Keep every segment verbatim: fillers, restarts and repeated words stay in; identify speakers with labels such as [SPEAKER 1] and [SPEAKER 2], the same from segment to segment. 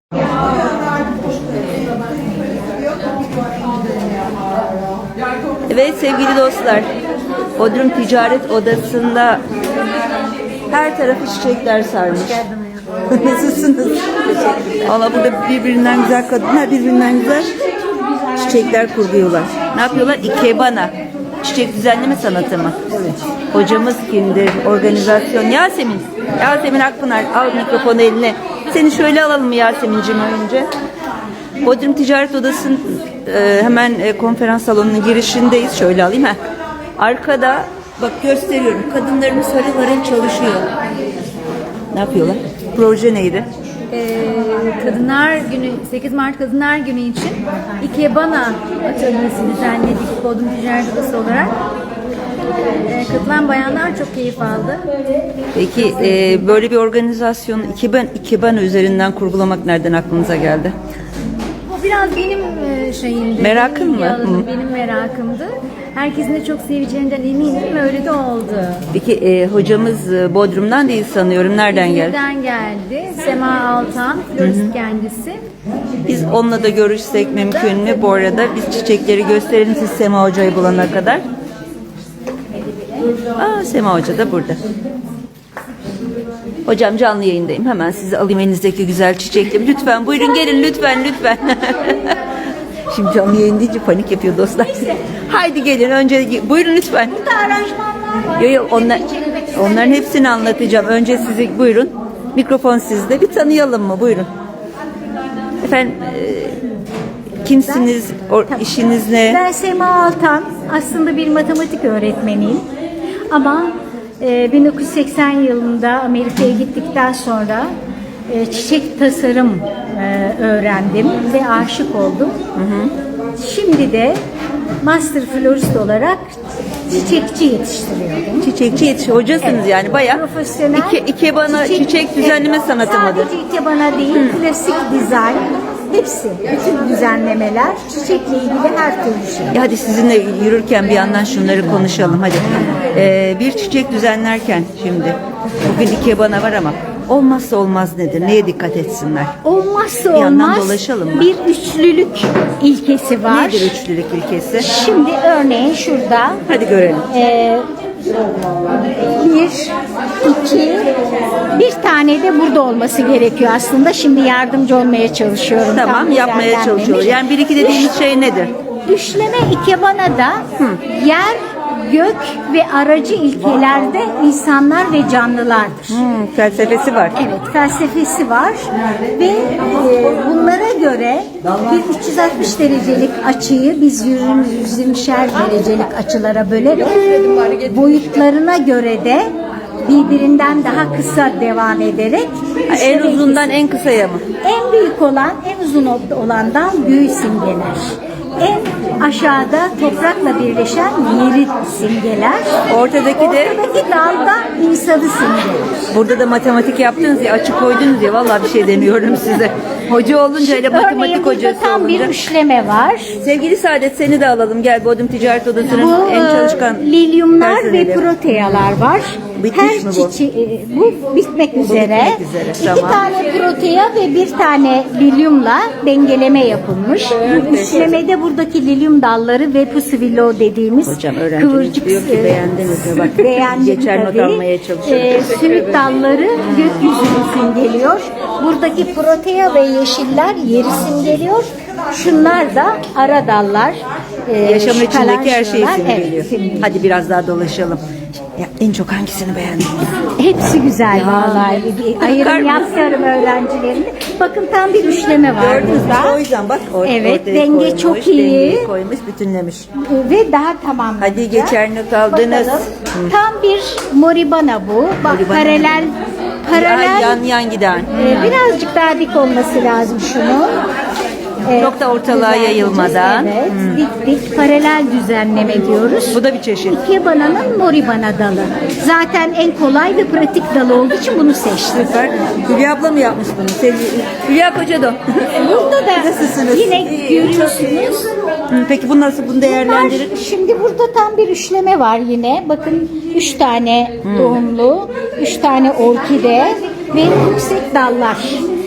[SPEAKER 1] Evet sevgili dostlar, Bodrum Ticaret Odası'nda her tarafı çiçekler sarmış. Nasılsınız? Valla burada birbirinden güzel kadınlar, birbirinden güzel çiçekler kuruluyorlar. Ne yapıyorlar? Ikebana. Çiçek düzenleme sanatı mı? Evet. Hocamız kimdir? Organizasyon. Yasemin. Yasemin Akpınar. Al mikrofonu eline. Seni şöyle alalım mı Yasemin'cim önce? Bodrum Ticaret Odası'nın e, hemen e, konferans salonunun girişindeyiz. Şöyle alayım. Heh. Arkada bak gösteriyorum. Kadınlarımız harıl harıl çalışıyor. Ne yapıyorlar? Proje neydi?
[SPEAKER 2] Ee, Kadınlar Günü, sekiz Mart Kadınlar Günü için Ikebana atölyesi düzenledik Bodrum Ticaret Odası olarak. Ee, katılan bayanlar çok keyif aldı.
[SPEAKER 1] Peki e, böyle bir organizasyonu Ikebana, Ikebana üzerinden kurgulamak nereden aklınıza geldi?
[SPEAKER 2] Bu biraz benim e, şeyimdi.
[SPEAKER 1] Merakın
[SPEAKER 2] benim
[SPEAKER 1] mı?
[SPEAKER 2] alanım,
[SPEAKER 1] Hı.
[SPEAKER 2] benim merakımdı. Herkesin de çok seveceğinden eminim. Öyle de oldu.
[SPEAKER 1] Peki e, hocamız e, Bodrum'dan değil sanıyorum. Nereden geldi?
[SPEAKER 2] İzmir'den geldi. Sema Altan, florist kendisi.
[SPEAKER 1] Biz onunla da görüşsek mümkün mü? Bu arada biz çiçekleri gösterelim siz Sema Hoca'yı bulana kadar. Aa, Sema Hoca da burada. Hocam canlı yayındayım. Hemen sizi alayım elinizdeki güzel çiçekleri. Lütfen buyurun gelin lütfen lütfen. Şimdi canlı yayın deyince panik yapıyor dostlar. Haydi gelin önce buyurun lütfen. Yok yok onlar, onların hepsini anlatacağım. Önce sizi buyurun. Mikrofon sizde. Bir tanıyalım mı? Buyurun. Efendim e, kimsiniz? O, işiniz ne?
[SPEAKER 3] Ben Sema Altan. Aslında bir matematik öğretmeniyim. Ama e, bin dokuz yüz seksen yılında Amerika'ya gittikten sonra e, çiçek tasarım e, öğrendim ve aşık oldum. Hı hı. Şimdi de master florist olarak çiçekçi yetiştiriyorum.
[SPEAKER 1] Çiçekçi yetiş hocasınız
[SPEAKER 3] Evet.
[SPEAKER 1] yani bayağı
[SPEAKER 3] Profesyonel
[SPEAKER 1] iki, ikebana çiçek, çiçek düzenleme
[SPEAKER 3] evet,
[SPEAKER 1] sanatı mıdır?
[SPEAKER 3] Sadece ikebana değil, Hı. klasik dizayn, hepsi, bütün düzenlemeler, çiçekle ilgili her türlü şey.
[SPEAKER 1] Ya hadi sizinle yürürken bir yandan şunları konuşalım hadi. Ee, bir çiçek düzenlerken şimdi bugün ikebana var ama olmazsa olmaz nedir? Neye dikkat etsinler?
[SPEAKER 3] Olmazsa
[SPEAKER 1] Bir yandan
[SPEAKER 3] olmaz
[SPEAKER 1] dolaşalım mı?
[SPEAKER 3] bir üçlülük ilkesi var.
[SPEAKER 1] Nedir üçlülük ilkesi?
[SPEAKER 3] Şimdi örneğin şurada
[SPEAKER 1] Hadi görelim.
[SPEAKER 3] e, bir, iki, bir tane de burada olması gerekiyor aslında. Şimdi yardımcı olmaya çalışıyorum.
[SPEAKER 1] Tamam
[SPEAKER 3] Tam
[SPEAKER 1] yapmaya
[SPEAKER 3] düzenlenmemiş.
[SPEAKER 1] çalışıyoruz. Yani bir iki dediğimiz şey nedir?
[SPEAKER 3] Düşleme ikebanada yer, gök ve aracı ilkelerde insanlar ve canlılardır.
[SPEAKER 1] Hmm, felsefesi var.
[SPEAKER 3] Evet, felsefesi var ve e, bunlara göre bir üç yüz altmış derecelik açıyı biz yüz yirmişer derecelik açılara bölerek boyutlarına göre de birbirinden daha kısa devam ederek
[SPEAKER 1] En uzundan en kısaya mı?
[SPEAKER 3] en büyük olan en uzun olandan büyüğü simgeler. En aşağıda toprakla birleşen yeri simgeler.
[SPEAKER 1] Ortadaki de
[SPEAKER 3] Ortadaki dalda insanı simgeler.
[SPEAKER 1] burada da matematik yaptınız ya açık koydunuz ya vallahi bir şey deniyorum size. Hoca olunca ile
[SPEAKER 3] Örneğin
[SPEAKER 1] matematik
[SPEAKER 3] burada
[SPEAKER 1] hocası
[SPEAKER 3] tam
[SPEAKER 1] olunca.
[SPEAKER 3] bir üçleme var.
[SPEAKER 1] Sevgili Saadet seni de alalım gel Bodrum Ticaret Odası'nın
[SPEAKER 3] Bu
[SPEAKER 1] en
[SPEAKER 3] e,
[SPEAKER 1] çalışkan
[SPEAKER 3] lilyumlar
[SPEAKER 1] personeli.
[SPEAKER 3] ve protealar var.
[SPEAKER 1] Bitmiş
[SPEAKER 3] Her
[SPEAKER 1] mi bu?
[SPEAKER 3] çiçeği bu bitmek üzere.
[SPEAKER 1] bitmek üzere,
[SPEAKER 3] İki
[SPEAKER 1] tamam.
[SPEAKER 3] tane protea ve bir tane lilyumla dengeleme yapılmış. Bu üçlemede buradaki lilyum dalları ve pusivillo dediğimiz
[SPEAKER 1] Hocam öğrencimiz
[SPEAKER 3] kıvırcık
[SPEAKER 1] diyor ki beğendiniz mi? Bak,
[SPEAKER 3] beğendim
[SPEAKER 1] geçer not
[SPEAKER 3] tabii.
[SPEAKER 1] almaya çalışıyorum.
[SPEAKER 3] E, sümük dalları gökyüzünü simgeliyor. Buradaki protea ve yeşiller yeri simgeliyor. Şunlar da ara dallar. E,
[SPEAKER 1] Yaşamın içindeki her şeyi
[SPEAKER 3] kalançolar.
[SPEAKER 1] simgeliyor.
[SPEAKER 3] Evet, simgeliyor.
[SPEAKER 1] Hadi biraz daha dolaşalım. Ya, en çok hangisini beğendin?
[SPEAKER 3] Hepsi güzel vallahi. Bir
[SPEAKER 1] Bakar
[SPEAKER 3] ayrım
[SPEAKER 1] mısın?
[SPEAKER 3] yapıyorum öğrencilerimle. Bakın tam bir üçleme var
[SPEAKER 1] Gördünüz mü?
[SPEAKER 3] burada.
[SPEAKER 1] O yüzden bak or-
[SPEAKER 3] Evet,
[SPEAKER 1] ortaya
[SPEAKER 3] denge
[SPEAKER 1] koymuş,
[SPEAKER 3] çok iyi.
[SPEAKER 1] dengeyi koymuş, bütünlemiş.
[SPEAKER 3] Ve daha tamam.
[SPEAKER 1] Hadi geçer not aldınız.
[SPEAKER 3] Bakalım. Tam bir moribana bu. Bak
[SPEAKER 1] Moribana.
[SPEAKER 3] paralel paralel
[SPEAKER 1] Yan yan giden.
[SPEAKER 3] e, birazcık daha dik olması lazım şunu.
[SPEAKER 1] Çok da ortalığa
[SPEAKER 3] düzenleyeceğiz.
[SPEAKER 1] yayılmadan.
[SPEAKER 3] Evet, dik dik paralel düzenleme diyoruz.
[SPEAKER 1] Bu da bir çeşit.
[SPEAKER 3] Ikebana'nın moribana dalı. Zaten en kolay ve pratik dalı olduğu için bunu seçtim.
[SPEAKER 1] Süper. Hülya abla mı yapmış bunu? Sevgili Hülya Koca da.
[SPEAKER 3] Burada da
[SPEAKER 1] Nasılsınız?
[SPEAKER 3] yine
[SPEAKER 1] İyi,
[SPEAKER 3] görüyorsunuz.
[SPEAKER 1] Hı, peki bu nasıl? Bunu değerlendirin.
[SPEAKER 3] Var. Şimdi burada tam bir üçleme var yine. Bakın üç tane tohumlu, üç tane orkide ve yüksek dallar.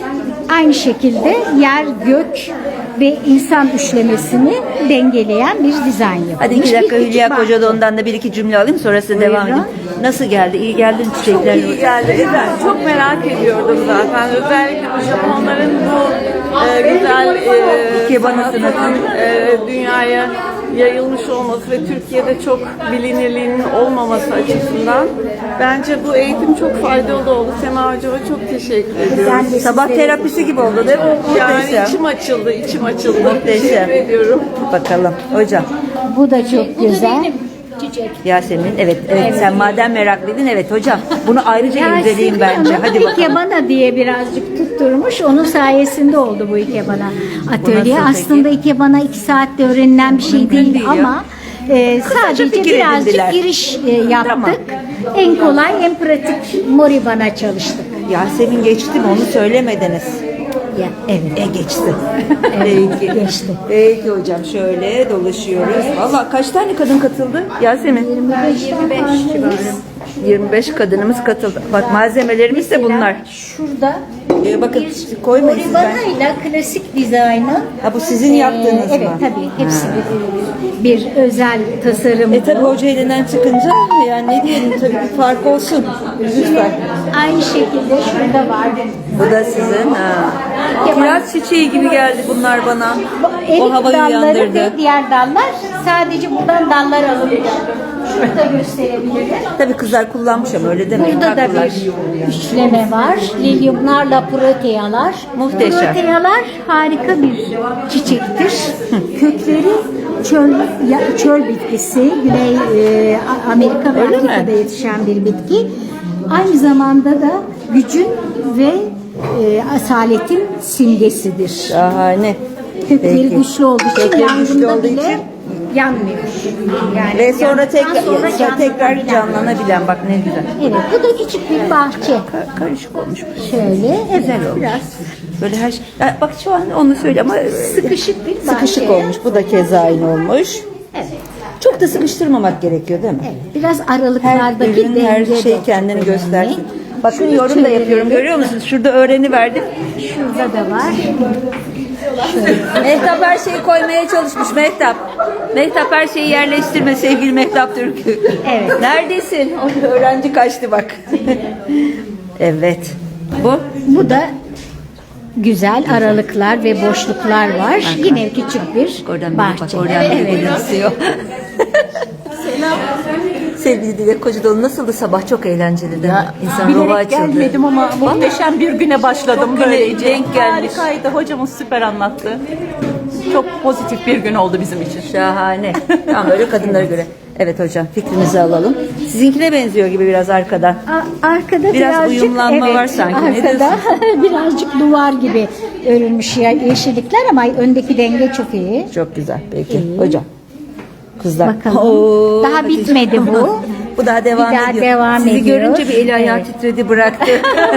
[SPEAKER 3] aynı şekilde yer, gök ve insan üçlemesini dengeleyen bir dizayn yapılmış.
[SPEAKER 1] Hadi iki dakika
[SPEAKER 3] Bir küçük
[SPEAKER 1] Hülya
[SPEAKER 3] bahçe.
[SPEAKER 1] Kocadoğan'dan da bir iki cümle alayım, sonrasında devam edeyim. Nasıl geldi? İyi geldi mi çiçekler?
[SPEAKER 4] İyi geldi. Güzel. Çok merak ediyordum zaten. Özellikle bu Japonların bu e, güzel e,
[SPEAKER 1] Ikebana
[SPEAKER 4] sanatının e, dünyaya yayılmış olması ve Türkiye'de çok bilinirliğinin olmaması açısından bence bu eğitim çok faydalı oldu. Sema Hocama çok teşekkür ediyorum.
[SPEAKER 3] Ben de
[SPEAKER 1] Sabah
[SPEAKER 3] sizlere-
[SPEAKER 1] terapisi gibi oldu değil mi?
[SPEAKER 4] Yani
[SPEAKER 1] Muhteşem.
[SPEAKER 4] içim açıldı, içim açıldı.
[SPEAKER 1] Muhteşem.
[SPEAKER 4] Teşekkür ediyorum.
[SPEAKER 1] Bakalım hocam.
[SPEAKER 3] Bu da çok güzel. Çiçek.
[SPEAKER 1] Yasemin, evet, evet, sen madem meraklıydın, evet hocam. Bunu ayrıca inceleyeyim bence. Hadi bakalım.
[SPEAKER 3] Ikebana diye birazcık tutturmuş. Onun sayesinde oldu bu Ikebana atölye.
[SPEAKER 1] nasıl peki?
[SPEAKER 3] Aslında Ikebana iki saatte öğrenilen bir şey değil,
[SPEAKER 1] değil ya.
[SPEAKER 3] ama e, sadece
[SPEAKER 1] fikir
[SPEAKER 3] birazcık
[SPEAKER 1] edindiler.
[SPEAKER 3] giriş e, yaptık.
[SPEAKER 1] Tamam.
[SPEAKER 3] En kolay, en pratik Moribana çalıştık.
[SPEAKER 1] Yasemin geçti mi, onu söylemediniz.
[SPEAKER 3] Ya, evet.
[SPEAKER 1] E geçti.
[SPEAKER 3] Evet,
[SPEAKER 1] Peki.
[SPEAKER 3] geçti.
[SPEAKER 1] Peki hocam, şöyle dolaşıyoruz. Valla kaç tane kadın katıldı Yasemin?
[SPEAKER 3] yirmi beş civarı.
[SPEAKER 1] yirmi beş kadınımız katıldı. Bak malzemelerimiz de bunlar.
[SPEAKER 3] Şurada
[SPEAKER 1] Ee, bakın
[SPEAKER 3] bir
[SPEAKER 1] koymayın siz
[SPEAKER 3] Moribana
[SPEAKER 1] ben.
[SPEAKER 3] ile klasik dizaynı.
[SPEAKER 1] Ha, bu sizin yaptığınız
[SPEAKER 3] Ee, evet,
[SPEAKER 1] mı?
[SPEAKER 3] tabii. Hepsi bir, bir özel tasarım.
[SPEAKER 1] E tabi hoca elinden çıkınca yani ne diyelim, tabii bir fark olsun. Lütfen.
[SPEAKER 3] Aynı şekilde şurada var.
[SPEAKER 1] Bu da sizin. Ha. Kiraz çiçeği gibi geldi bunlar bana. O
[SPEAKER 3] Erik
[SPEAKER 1] havayı
[SPEAKER 3] dalları
[SPEAKER 1] uyandırdı.
[SPEAKER 3] ve diğer dallar sadece buradan dallar alınıyor. Şurada gösterebilirim.
[SPEAKER 1] Tabii kızlar kullanmış ama öyle demeyin.
[SPEAKER 3] Burada da
[SPEAKER 1] haklılar.
[SPEAKER 3] bir üçleme var. Lilyumlarla protealar.
[SPEAKER 1] Muhteşem.
[SPEAKER 3] Protealar harika bir çiçektir. Kökleri çöl ya- çöl bitkisi. Güney e, A- Amerika ve
[SPEAKER 1] Öyle mi?
[SPEAKER 3] Afrika'da yetişen bir bitki. Aynı zamanda da gücün ve e, asaletin simgesidir.
[SPEAKER 1] Şahane.
[SPEAKER 3] Kökleri
[SPEAKER 1] Peki.
[SPEAKER 3] güçlü olduğu için
[SPEAKER 1] Kökleri güçlü
[SPEAKER 3] yangında
[SPEAKER 1] olduğu
[SPEAKER 3] bile
[SPEAKER 1] için.
[SPEAKER 3] yanmıyor. Yani
[SPEAKER 1] Ve sonra
[SPEAKER 3] yandıktan
[SPEAKER 1] tekrar,
[SPEAKER 3] sonra
[SPEAKER 1] sonra tekrar
[SPEAKER 3] canlanabilen.
[SPEAKER 1] canlanabilen, bak ne güzel.
[SPEAKER 3] Evet, bu da küçük bir bahçe.
[SPEAKER 1] Ka- karışık olmuş.
[SPEAKER 3] Şöyle, evet, biraz
[SPEAKER 1] Böyle her şey. Ya bak şu an onu söyle ama
[SPEAKER 3] sıkışık bir bahçe.
[SPEAKER 1] sıkışık olmuş. Bu da keza aynı olmuş.
[SPEAKER 3] Evet,
[SPEAKER 1] Çok da sıkıştırmamak gerekiyor değil mi?
[SPEAKER 3] evet. Biraz
[SPEAKER 1] Her
[SPEAKER 3] aralıklardaki
[SPEAKER 1] ürün, her
[SPEAKER 3] denge
[SPEAKER 1] şey
[SPEAKER 3] de
[SPEAKER 1] kendini
[SPEAKER 3] önemli.
[SPEAKER 1] göstersin. Bakın
[SPEAKER 3] Şunu
[SPEAKER 1] yorum da
[SPEAKER 3] çevirelim.
[SPEAKER 1] yapıyorum, görüyor musunuz? Şurada öğreniverdim.
[SPEAKER 3] Şurada da var.
[SPEAKER 1] Mehtap her şeyi koymaya çalışmış Mehtap. Mehtap her şeyi yerleştirme sevgili Mehtap Türkü.
[SPEAKER 3] Evet.
[SPEAKER 1] Neredesin? O öğrenci kaçtı bak. Evet. Bu?
[SPEAKER 3] Bu da güzel aralıklar ve boşluklar var. Yine küçük bir
[SPEAKER 1] Oradan bak,
[SPEAKER 3] bahçe.
[SPEAKER 1] oradan
[SPEAKER 3] Evet.
[SPEAKER 1] biri gülümsüyor. Sevgili Dilek Kocadoğlu, nasıldı sabah? Çok eğlenceli değil mi? İnsan ruhu
[SPEAKER 5] Bilerek
[SPEAKER 1] açıldı.
[SPEAKER 5] gelmedim ama muhteşem bir güne başladım
[SPEAKER 1] Çok güne
[SPEAKER 5] böylece.
[SPEAKER 1] denk gelmiş.
[SPEAKER 5] Harikaydı. Hocamız süper anlattı. Çok pozitif bir gün oldu bizim için.
[SPEAKER 1] Şahane. Tam böyle kadınlara göre. Evet hocam, fikrinizi alalım. Sizinkine benziyor gibi biraz arkadan.
[SPEAKER 3] A- Arkada
[SPEAKER 1] Biraz
[SPEAKER 3] birazcık
[SPEAKER 1] uyumlanma
[SPEAKER 3] evet,
[SPEAKER 1] var sanki. Ne
[SPEAKER 3] Arkada birazcık duvar gibi örülmüş ya- yeşillikler ama öndeki denge çok iyi.
[SPEAKER 1] Çok güzel. Peki. Hocam. Kızlar.
[SPEAKER 3] Bakalım.
[SPEAKER 1] Oo,
[SPEAKER 3] Daha
[SPEAKER 1] Hatice.
[SPEAKER 3] bitmedi bu.
[SPEAKER 1] Bu daha devam
[SPEAKER 3] Bir daha
[SPEAKER 1] ediyor.
[SPEAKER 3] devam
[SPEAKER 1] Sizi
[SPEAKER 3] ediyor.
[SPEAKER 1] görünce bir eli ayağı
[SPEAKER 3] Evet.
[SPEAKER 1] titredi, bıraktı.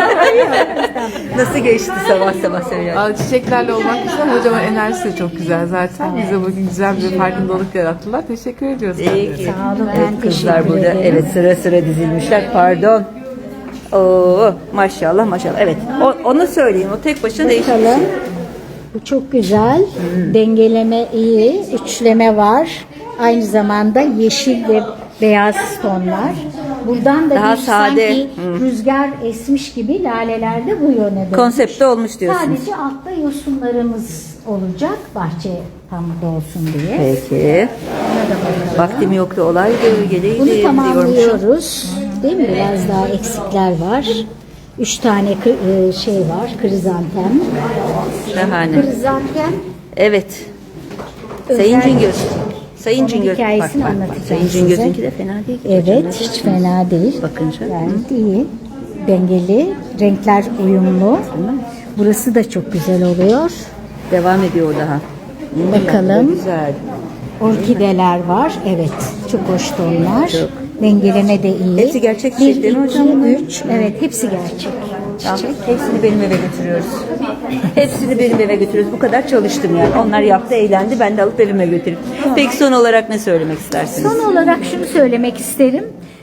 [SPEAKER 1] Nasıl geçti sabah sabah söylüyorum.
[SPEAKER 4] Aa, Çiçeklerle olmak güzel. Hocamın enerjisi de çok güzel zaten. Bize bugün güzel bir farkındalık yarattılar. Teşekkür ediyoruz.
[SPEAKER 1] Peki.
[SPEAKER 3] Sağ olun,
[SPEAKER 1] Evet,
[SPEAKER 3] ben
[SPEAKER 1] kızlar
[SPEAKER 3] teşekkür
[SPEAKER 1] burada
[SPEAKER 3] ederim.
[SPEAKER 1] evet sıra sıra dizilmişler. Pardon. Oo, maşallah maşallah. Evet. O, onu söyleyeyim. O tek başına değişik bir
[SPEAKER 3] Bakalım.
[SPEAKER 1] şey.
[SPEAKER 3] Bu çok güzel. Dengeleme iyi. Üçleme var. Aynı zamanda yeşil ve beyaz tonlar. Buradan da
[SPEAKER 1] Daha
[SPEAKER 3] bir
[SPEAKER 1] sade.
[SPEAKER 3] sanki rüzgar esmiş gibi laleler de bu yöne dönmüş.
[SPEAKER 1] Konsepte olmuş diyorsunuz.
[SPEAKER 3] Sadece altta yosunlarımız olacak bahçe tam dolsun diye.
[SPEAKER 1] Peki. Vaktim yoktu, olaydı. Geleydi
[SPEAKER 3] Bunu
[SPEAKER 1] diyormuşum.
[SPEAKER 3] tamamlıyoruz. Değil mi? Biraz daha eksikler var. Üç tane kı- e, şey var. Krizantem.
[SPEAKER 1] Şahane.
[SPEAKER 3] Krizantem
[SPEAKER 1] Evet. Sayın
[SPEAKER 3] Özel-
[SPEAKER 1] Cingöz. Sayın
[SPEAKER 3] Onun
[SPEAKER 1] Cingöz.
[SPEAKER 3] hikayesini
[SPEAKER 1] Bak, bak, bak.
[SPEAKER 3] anlatacağım
[SPEAKER 1] Sayın
[SPEAKER 3] size.
[SPEAKER 1] Cingöz'ünki de fena değil.
[SPEAKER 3] Evet, hiç fena değil.
[SPEAKER 1] Bakınca.
[SPEAKER 3] Gayet iyi. Dengeli, renkler uyumlu. Burası da çok güzel oluyor.
[SPEAKER 1] Devam ediyor o daha. Hmm,
[SPEAKER 3] Bakalım.
[SPEAKER 1] Güzel.
[SPEAKER 3] Orkideler var. Evet, çok hoş tonlar. Dengeleme de iyi.
[SPEAKER 1] Hepsi gerçek
[SPEAKER 3] Bir,
[SPEAKER 1] çiçek değil mi
[SPEAKER 3] iki,
[SPEAKER 1] hocam bunlar?
[SPEAKER 3] üç. Evet, hepsi gerçek.
[SPEAKER 1] Tamam. Hepsini benim eve götürüyoruz. Hepsini benim eve götürüyoruz. Bu kadar çalıştım yani. Onlar yaptı, eğlendi. Ben de alıp evime götürüp. Peki son olarak ne söylemek istersiniz?
[SPEAKER 3] Son olarak şunu söylemek isterim.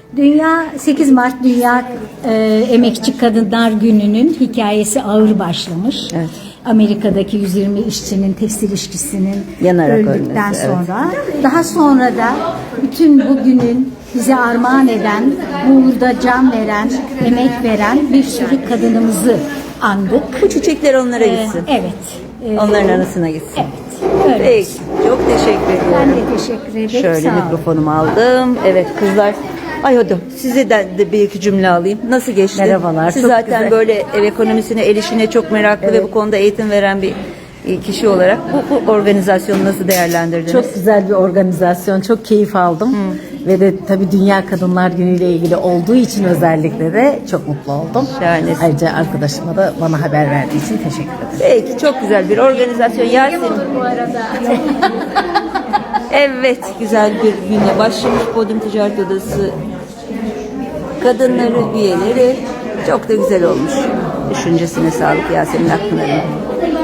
[SPEAKER 3] Dünya sekiz Mart Dünya e, Emekçi Kadınlar Günü'nün hikayesi ağır başlamış.
[SPEAKER 1] Evet.
[SPEAKER 3] Amerika'daki yüz yirmi işçinin tekstil işçisinin
[SPEAKER 1] Yanarak
[SPEAKER 3] öldükten
[SPEAKER 1] ölmesi, evet.
[SPEAKER 3] sonra. Daha sonra da bütün bugünün bize armağan eden, bu uğurda can veren, emek veren bir sürü kadınımızı andık.
[SPEAKER 1] Bu çiçekler onlara
[SPEAKER 3] Ee,
[SPEAKER 1] gitsin.
[SPEAKER 3] evet. Ee,
[SPEAKER 1] Onların arasına gitsin.
[SPEAKER 3] Evet. Öyle.
[SPEAKER 1] Peki. Çok teşekkür ediyorum.
[SPEAKER 3] Ben de teşekkür ederim.
[SPEAKER 1] Şöyle
[SPEAKER 3] Sağ olun.
[SPEAKER 1] mikrofonumu aldım. Evet kızlar. Ay hadi size de, de bir iki cümle alayım. Nasıl geçti?
[SPEAKER 6] Merhabalar,
[SPEAKER 1] Siz
[SPEAKER 6] çok
[SPEAKER 1] zaten
[SPEAKER 6] güzel.
[SPEAKER 1] böyle ev ekonomisine, el işine çok meraklı ve bu konuda eğitim veren bir kişi olarak bu, bu organizasyonu nasıl değerlendirdiniz?
[SPEAKER 6] Çok güzel bir organizasyon, çok keyif aldım. Ve de tabii Dünya Kadınlar Günü ile ilgili olduğu için özellikle de çok mutlu oldum.
[SPEAKER 1] Şahanesin.
[SPEAKER 6] Ayrıca arkadaşıma da bana haber verdiği için teşekkür ederim.
[SPEAKER 1] Peki çok güzel bir organizasyon. Yasemin.
[SPEAKER 3] Bu arada.
[SPEAKER 1] Evet güzel bir güne başlamış Podyum Ticaret Odası kadınları, üyeleri çok da güzel olmuş. Düşüncesine sağlık Yasemin Akpınar'ın.